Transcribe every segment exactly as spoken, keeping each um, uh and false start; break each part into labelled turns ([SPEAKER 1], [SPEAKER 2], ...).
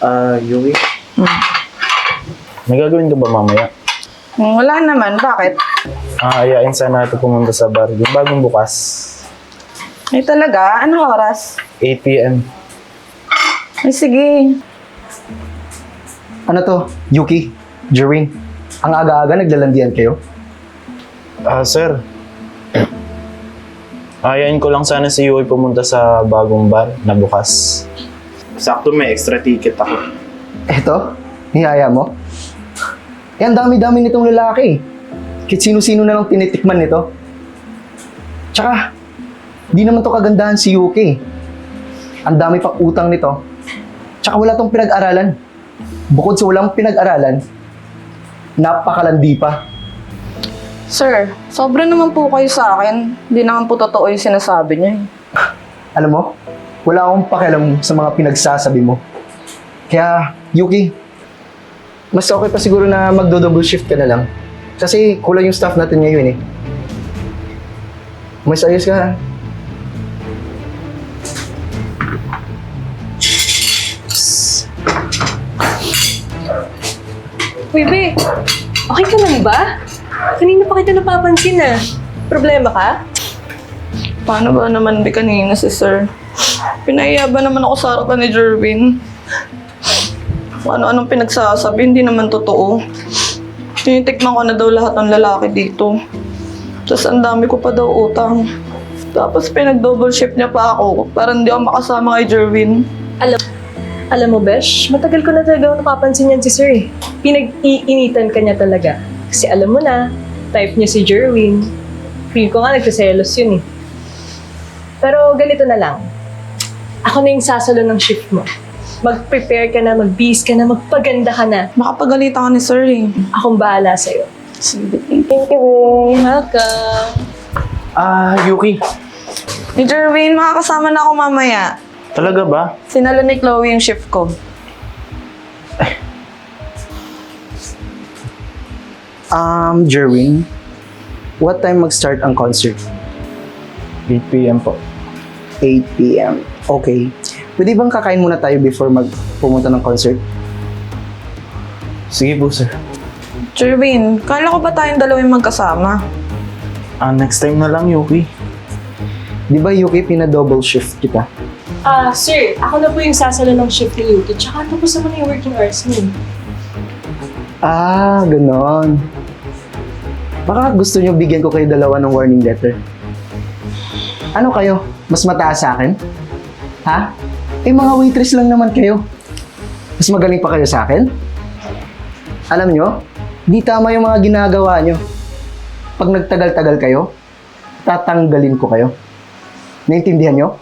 [SPEAKER 1] Ah, Yui,
[SPEAKER 2] Hmm.
[SPEAKER 1] may gagawin ka ba mamaya?
[SPEAKER 2] Hmm, Wala naman. Bakit?
[SPEAKER 1] Ah, ayain sana natin pumunta sa bar. Yung bagong bukas.
[SPEAKER 2] Ay talaga? Anong oras?
[SPEAKER 1] eight p m
[SPEAKER 2] Ay sige.
[SPEAKER 3] Ano to? Yuki? Jerwin? Ang aga-aga naglalandian kayo?
[SPEAKER 1] Ah, sir. Ayain ko lang sana si Yui pumunta sa bagong bar na bukas. Sakto may extra ticket ako.
[SPEAKER 3] Eto? Niyaya mo? Eh, ang dami-dami nitong lalaki. Kahit sino-sino na lang tinitikman nito. Tsaka, di naman to kagandahan si Yuki. Ang dami pang utang nito. Tsaka wala tong pinag-aralan. Bukod sa walang pinag-aralan, napakalandi pa.
[SPEAKER 2] Sir, sobra naman po kayo sa akin. Hindi naman po totoo yung sinasabi niyo eh.
[SPEAKER 3] Alam mo, wala akong pakialam sa mga pinagsasabi mo. Kaya, Yuki, mas okay pa siguro na magdo-double shift ka na lang. Kasi kulang yung staff natin ngayon eh. Mas ayos ka ha.
[SPEAKER 4] Uy, Be, okay ka lang ba? Kanina pa kita napapansin ah. Problema ka?
[SPEAKER 2] Paano ba naman di kanina si sir? Pinaiya ba naman ako sa harapan ni Jerwin? Kung ano-anong pinagsasabi, hindi naman totoo. Tinitikman ko na daw lahat ng lalaki dito. Tapos ang dami ko pa daw utang. Tapos pinag-double shift niya pa ako para hindi ako makasama kay Jerwin.
[SPEAKER 4] Alam, alam mo, Besh, matagal ko na talaga napapansin yan si Sir eh. Pinag-iinitan ka niya talaga. Kasi alam mo na, type niya si Jerwin. Feel ko nga nagsiselos yun eh. Pero ganito na lang. Ako na yung sasalo ng shift mo. Mag-prepare ka na, mag-bis ka na, magpaganda ka na.
[SPEAKER 2] Makapagalitan ka ni sir eh.
[SPEAKER 4] Akong bahala sa'yo.
[SPEAKER 2] Sige, thank you.
[SPEAKER 4] Thank you, Be. Welcome.
[SPEAKER 1] Ah, Yuki.
[SPEAKER 2] Ni Jerwin, makakasama na ako mamaya.
[SPEAKER 1] Talaga ba?
[SPEAKER 2] Sinalo ni Chloe yung shift ko.
[SPEAKER 3] Um, Jerwin, what time mag-start ang concert?
[SPEAKER 1] eight p m po.
[SPEAKER 3] eight p m Okay. Pwede bang kakain muna tayo before mag pumunta ng concert?
[SPEAKER 1] Sige po, sir.
[SPEAKER 2] Jerwin, kala ko ba tayong dalawa yung magkasama?
[SPEAKER 1] Ah, next time na lang, Yuki.
[SPEAKER 3] Di ba, Yuki, pina-double shift kita?
[SPEAKER 4] Ah, sir, ako na po yung sasalo ng shift ni Yuki. Tsaka tapos naman na yung working hours niyo.
[SPEAKER 3] Ah, ganon. Baka gusto nyo bigyan ko kayo dalawa ng warning letter. Ano kayo? Mas mataas sa akin? Ha? Eh, mga waitress lang naman kayo. Mas magaling pa kayo sa akin? Alam nyo, di tama yung mga ginagawa nyo. Pag nagtagal-tagal kayo, tatanggalin ko kayo. Naintindihan nyo?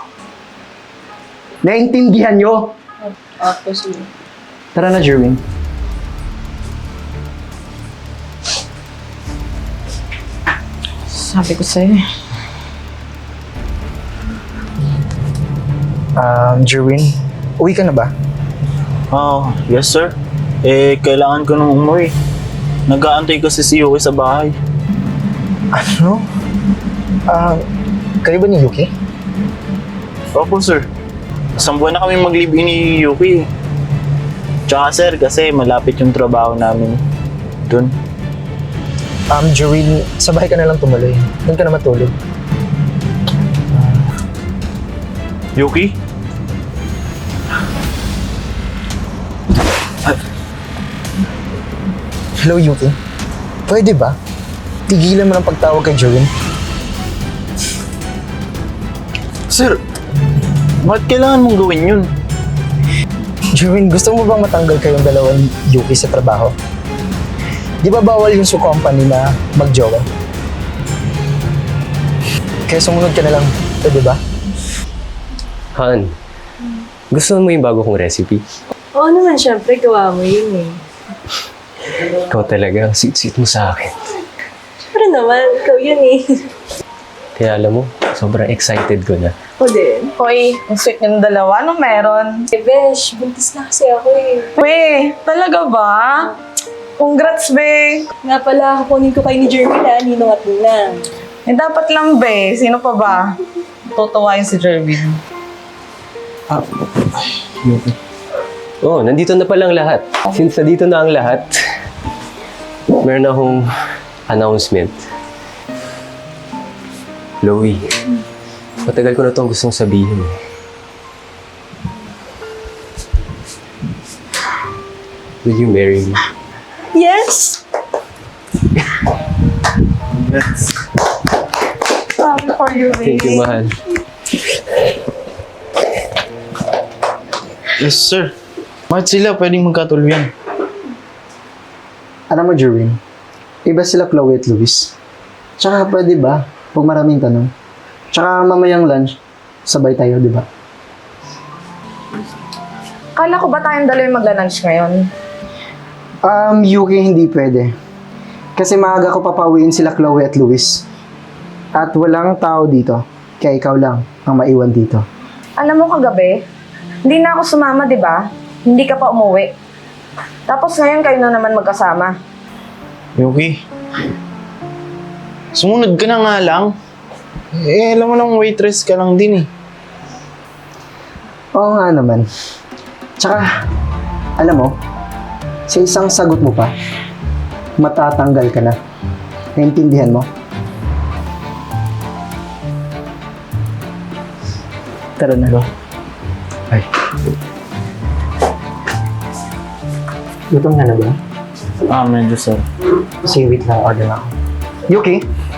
[SPEAKER 3] Naintindihan nyo?
[SPEAKER 4] Opo, sir.
[SPEAKER 3] Tara na, Jerwin.
[SPEAKER 2] Sabi ko sa'yo eh.
[SPEAKER 3] Um, Jerwin, uwi ka na ba?
[SPEAKER 1] Oh, yes, sir. Eh, kailangan ko nung umuwi. Nag-aantay kasi si Yuki sa bahay.
[SPEAKER 3] Ano? Ah, kayo ba ni Yuki?
[SPEAKER 1] Opo, sir. Isang buwan na kami mag-live-in ni Yuki. Tsaka, sir, kasi malapit yung trabaho namin dun.
[SPEAKER 3] Um, Jerwin, sa bahay ka na lang tumuloy. Doon ka na matulog.
[SPEAKER 1] Yuki?
[SPEAKER 3] Hello, Yuki. Pwede ba? Tigilan mo ng pagtawag kay Jerwin.
[SPEAKER 1] Sir, bakit kailangan mong gawin yun?
[SPEAKER 3] Jerwin, gusto mo bang matanggal kayong dalawa ni Yuki sa trabaho? Di ba bawal yung su company na mag-jowa? Kaya sumunod ka na lang, pwede ba?
[SPEAKER 5] Han, gusto mo yung bago kong recipe?
[SPEAKER 4] Oo naman, syempre, gawa mo yun eh.
[SPEAKER 5] Ikaw talaga, sweet-sweet mo sa akin.
[SPEAKER 4] Syempre naman, ikaw yun eh.
[SPEAKER 5] Kaya alam mo, sobrang excited ko na.
[SPEAKER 4] Ako din.
[SPEAKER 2] Hoy, ang sweet ng dalawa. Anong meron?
[SPEAKER 4] Eh, Besh, buntis na kasi ako eh.
[SPEAKER 2] We, talaga ba? Congrats, be.
[SPEAKER 4] Nga pala, kukunin ko kayo ni Jeremy na, ninong at ninang.
[SPEAKER 2] Eh, dapat lang, be. Sino pa ba? Tutuwa yun si Jerwin.
[SPEAKER 1] Ah, Yuki.
[SPEAKER 5] Oh, nandito na palang lahat. Since nandito na ang lahat, meron akong announcement. Chloe, matagal ko na itong gustong sabihin. eh. Will you marry me?
[SPEAKER 4] Yes!
[SPEAKER 1] Yes.
[SPEAKER 2] Happy for you,
[SPEAKER 5] Thank you, mahal.
[SPEAKER 1] Yes, sir. Bakit sila pwedeng magkatuluyan?
[SPEAKER 3] Alam mo, Jerwin, iba sila Chloe at Luis. Tsaka pwede ba, huwag maraming tanong. Tsaka mamayang lunch, sabay tayo, di ba?
[SPEAKER 2] Kala ko ba tayong dalawa yung magla-lunch ngayon?
[SPEAKER 3] Um, Yuki, hindi pwede. Kasi maaga ko papawiin sila Chloe at Luis. At walang tao dito, kaya ikaw lang ang maiwan dito.
[SPEAKER 6] Alam mo kagabi, hindi na ako sumama, di ba? Hindi ka pa umuwi. Tapos ngayon kayo na naman magkasama.
[SPEAKER 1] Yuki, sumunod ka na nga lang. Eh, alam mo lang, waitress ka lang din eh.
[SPEAKER 3] Oo nga naman. Tsaka, alam mo, sa isang sagot mo pa, matatanggal ka na. Naintindihan mo? Tara na. Ay. Gutom ka na ba?
[SPEAKER 1] Ah, medyo sir.
[SPEAKER 3] Sige, wait lang. Order na ako. Yuki?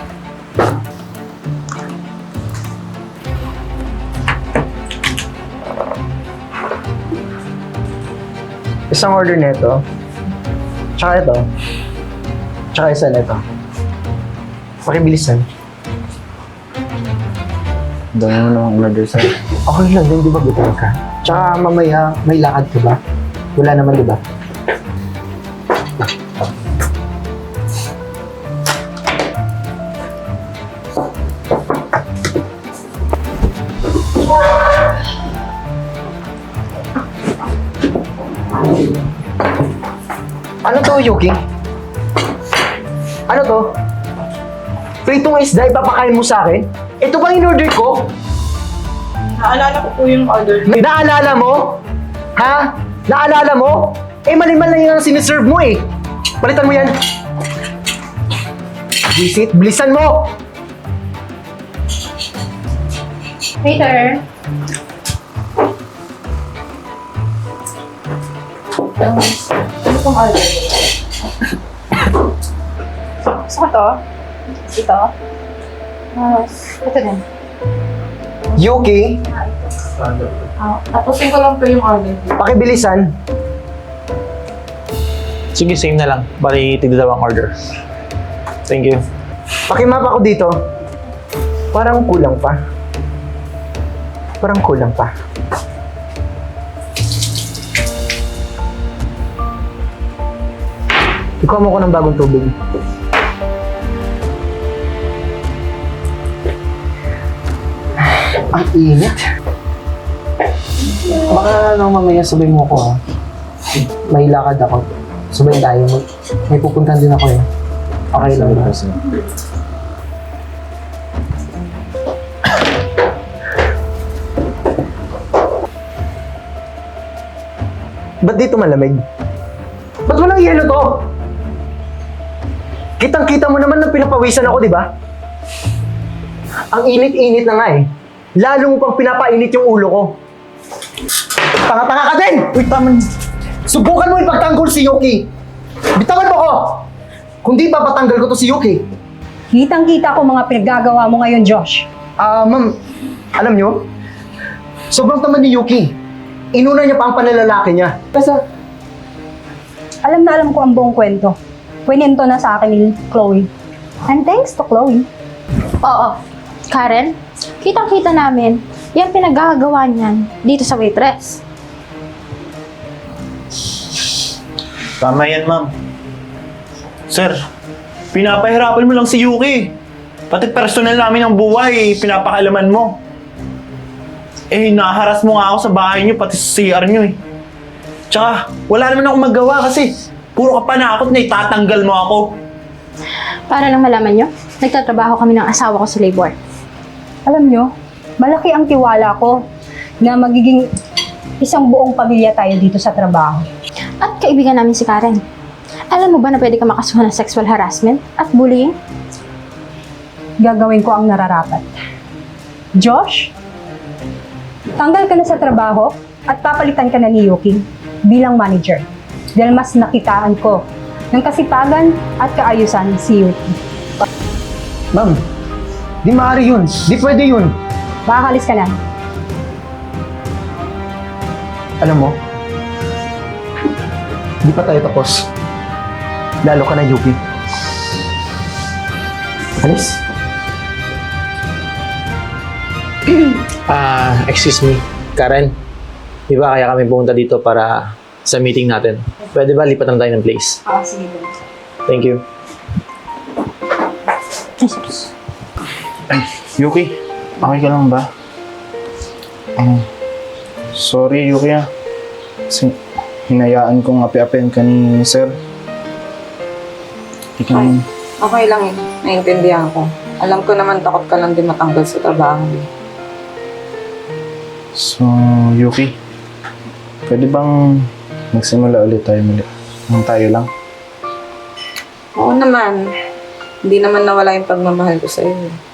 [SPEAKER 3] Isang order nito. Tsaka ito. Tsaka isa nito. Pakibilisan.
[SPEAKER 1] Dami mo namang order sir.
[SPEAKER 3] Okay lang din, di ba gutom ka? Tsaka mamaya, may lakad ka ba? Wala naman, di ba? Ano to, Yuki? Ano to? Pritong isda, ipapakain mo sa akin? Ito ba in-order ko?
[SPEAKER 2] Naalala ko po yung order.
[SPEAKER 3] Naalala mo? Ha? Naalala mo? Eh, mali-mal lang yung siniserve mo eh. Palitan mo yan. Visit, bilisan mo!
[SPEAKER 7] Waiter. Um, ano pong order? Gusto ko to. Ito. Uh, ito din.
[SPEAKER 3] Yuki,
[SPEAKER 7] Uh, tapusin ko lang po yung order.
[SPEAKER 3] pakibilisan.
[SPEAKER 1] Sige, same na lang. Bali, tigdadawang order. Thank you.
[SPEAKER 3] Pakimap ako dito. Parang kulang pa. Parang kulang pa. Ikaw mo ko ng bagong tubig. Ang init. Baka nang mamaya sabay mo ko ha. May lakad ako. Sabay tayo. May, may pupuntahan din ako eh. Okay lang ba? Ba't dito malamig? Ba't walang yelo to? Kitang-kita mo naman na pinapawisan ako, di ba? Ang init-init na nga eh. Lalo mo pang pinapainit yung ulo ko. Tanga-tanga ka din! Uy, tama. Subukan mo ipagtanggol si Yuki. Bitawan mo ko! Kung di papatanggal ko to si Yuki.
[SPEAKER 8] Kitang-kita ko mga pinaggagawa mo ngayon, Josh.
[SPEAKER 3] Ah, ma'am, alam nyo? Sobrang taman ni Yuki. Inuna niya pa ang panlalaki niya. Kasi,
[SPEAKER 8] Alam na alam ko ang buong kwento. Kwininto na sa akin ni Chloe. And thanks to Chloe.
[SPEAKER 7] Oo. Karen, kitang-kita namin, yan pinaggagawa niyan dito sa waitress.
[SPEAKER 1] Tama yan, ma'am. Sir, pinapahirapan mo lang si Yuki. Pati personal namin ang buhay, pinapakalaman mo. Eh, naharas mo nga ako sa bahay niyo, pati sa C R niyo eh. Tsaka, wala naman akong magawa kasi puro ka panakot na itatanggal mo ako.
[SPEAKER 7] Para lang malaman nyo, nagtatrabaho kami ng asawa ko sa labor.
[SPEAKER 8] Alam nyo, malaki ang tiwala ko na magiging Isang buong pamilya tayo dito sa trabaho.
[SPEAKER 7] At kaibigan namin si Karen. Alam mo ba na pwede ka makasuhan ng sexual harassment at bullying?
[SPEAKER 8] Gagawin ko ang nararapat. Josh, tanggal ka na sa trabaho at papalitan ka na ni Yuki bilang manager. Dahil mas nakitaan ko ng kasipagan at kaayusan si Yuki.
[SPEAKER 3] Ma'am, di maaari yun. Di pwede yun.
[SPEAKER 8] Makakalis ka na.
[SPEAKER 3] Alam mo, di pa tayo tapos. Lalo ka na, Yuki. Alis.
[SPEAKER 9] Ah, excuse me, Karen. Di ba kaya kami pumunta dito para sa meeting natin? Pwede ba lipat na tayo ng place?
[SPEAKER 8] Ah, sige.
[SPEAKER 9] Thank you.
[SPEAKER 7] Ay, sus.
[SPEAKER 1] Ay, Yuki, okay ka lang ba? Ah, sorry, Yuki ah. Kasi hinayaan kong api-apian ka ni Sir. Hindi ka naman.
[SPEAKER 6] Okay lang eh. Naiintindihan ko. Alam ko naman takot ka lang din matanggal sa trabaho.
[SPEAKER 1] So, Yuki, pwede bang magsimula ulit tayo muli? Nang tayo lang?
[SPEAKER 6] Oo naman. Hindi naman nawala yung pagmamahal ko sa'yo.